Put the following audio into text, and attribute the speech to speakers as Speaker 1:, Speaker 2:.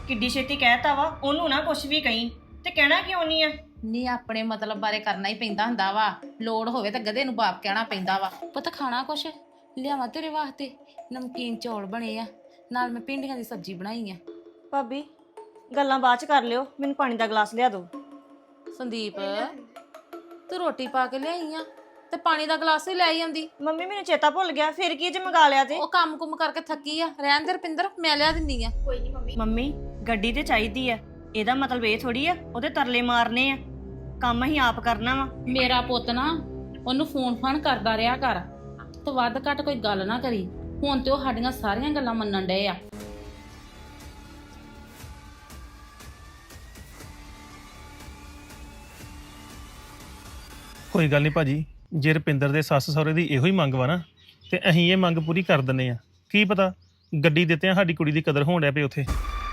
Speaker 1: ਕਿੱਡੀ ਛੇਤੀ ਕਹਿਤਾ ਵਾ ਉਹਨੂੰ ਨਾ ਕੁਛ ਵੀ ਕਹੀਂ ਤੇ ਕਹਿਣਾ ਕਿਉਂ ਨਹੀਂ ਆ।
Speaker 2: ਨਹੀਂ ਆਪਣੇ ਮਤਲਬ ਬਾਰੇ ਕਰਨਾ ਹੀ ਪੈਂਦਾ ਹੁੰਦਾ ਵਾ। ਲੋੜ ਹੋਵੇ ਤਾਂ ਗਧੇ ਨੂੰ ਬਾਪ ਕਹਿਣਾ ਪੈਂਦਾ ਵਾ। ਪੁੱਤ ਖਾਣਾ ਕੁਛ ਲਿਆਵਾਂ ਤੇਰੇ ਵਾਸਤੇ? ਨਮਕੀਨ ਚੌਲ ਬਣੇ ਆ, ਨਾਲ ਮੈਂ ਭਿੰਡੀਆਂ ਦੀ ਸਬਜ਼ੀ ਬਣਾਈ ਆ।
Speaker 1: ਭਾਬੀ ਗੱਲਾਂ ਬਾਅਦ ਚ ਕਰ ਲਿਓ, ਮੈਨੂੰ ਪਾਣੀ ਦਾ ਗਲਾਸ ਲਿਆ ਦਿਓ।
Speaker 2: ਸੰਦੀਪ ਤੂੰ ਰੋਟੀ ਪਾ ਕੇ ਲਿਆਈ ਆ ਤੇ ਪਾਣੀ ਦਾ ਗਲਾਸ ਵੀ ਲੈ ਆਈ ਆਂਦੀ।
Speaker 1: ਮੰਮੀ ਮੈਨੂੰ ਚੇਤਾ ਭੁੱਲ ਗਿਆ, ਫਿਰ ਕੀ ਜੇ ਮੰਗਾ ਲਿਆ ਤੇ।
Speaker 2: ਉਹ ਕੰਮ ਕੁਮ ਕਰਕੇ ਥੱਕੀ ਆ, ਰਹਿਣ ਦੇ ਰਪਿੰਦਰ, ਮੈਂ ਲਿਆ ਦਿੰਦੀ ਆ।
Speaker 3: ਕੋਈ ਨਹੀਂ ਮੰਮੀ।
Speaker 1: ਮੰਮੀ ਗੱਡੀ ਤੇ ਚਾਹੀਦੀ ਆ, ਇਹਦਾ ਮਤਲਬ ਇਹ ਥੋੜੀ ਆ ਉਹਦੇ ਤਰਲੇ ਮਾਰਨੇ ਆ। ਕੰਮ ਅਸੀਂ ਆਪ ਕਰਨਾ ਵਾ।
Speaker 2: ਮੇਰਾ ਪੁੱਤ ਨਾ ਉਹਨੂੰ ਫੋਨ ਫਾਨ ਕਰਦਾ ਰਿਹਾ ਕਰ, ਤੇ ਵੱਧ ਘੱਟ ਕੋਈ ਗੱਲ ਨਾ ਕਰੀ। ਹੁਣ ਤੇ ਉਹ ਸਾਡੀਆਂ ਸਾਰੀਆਂ ਗੱਲਾਂ ਮੰਨਣ ਡਏ ਆ।
Speaker 4: ਕੋਈ ਗੱਲ ਨਹੀਂ ਭਾਜੀ, ਜੇ ਰੁਪਿੰਦਰ ਦੇ ਸੱਸ ਸਹੁਰੇ ਦੀ ਇਹੋ ਹੀ ਮੰਗ ਵਾ ਨਾ ਤੇ ਅਸੀਂ ਇਹ ਮੰਗ ਪੂਰੀ ਕਰ ਦਿੰਨੇ ਆ। ਕੀ ਪਤਾ ਗੱਡੀ ਦਿੱਤਿਆਂ ਸਾਡੀ ਕੁੜੀ ਦੀ ਕਦਰ ਹੋਣ ਡਿਆ ਪਈ ਉੱਥੇ।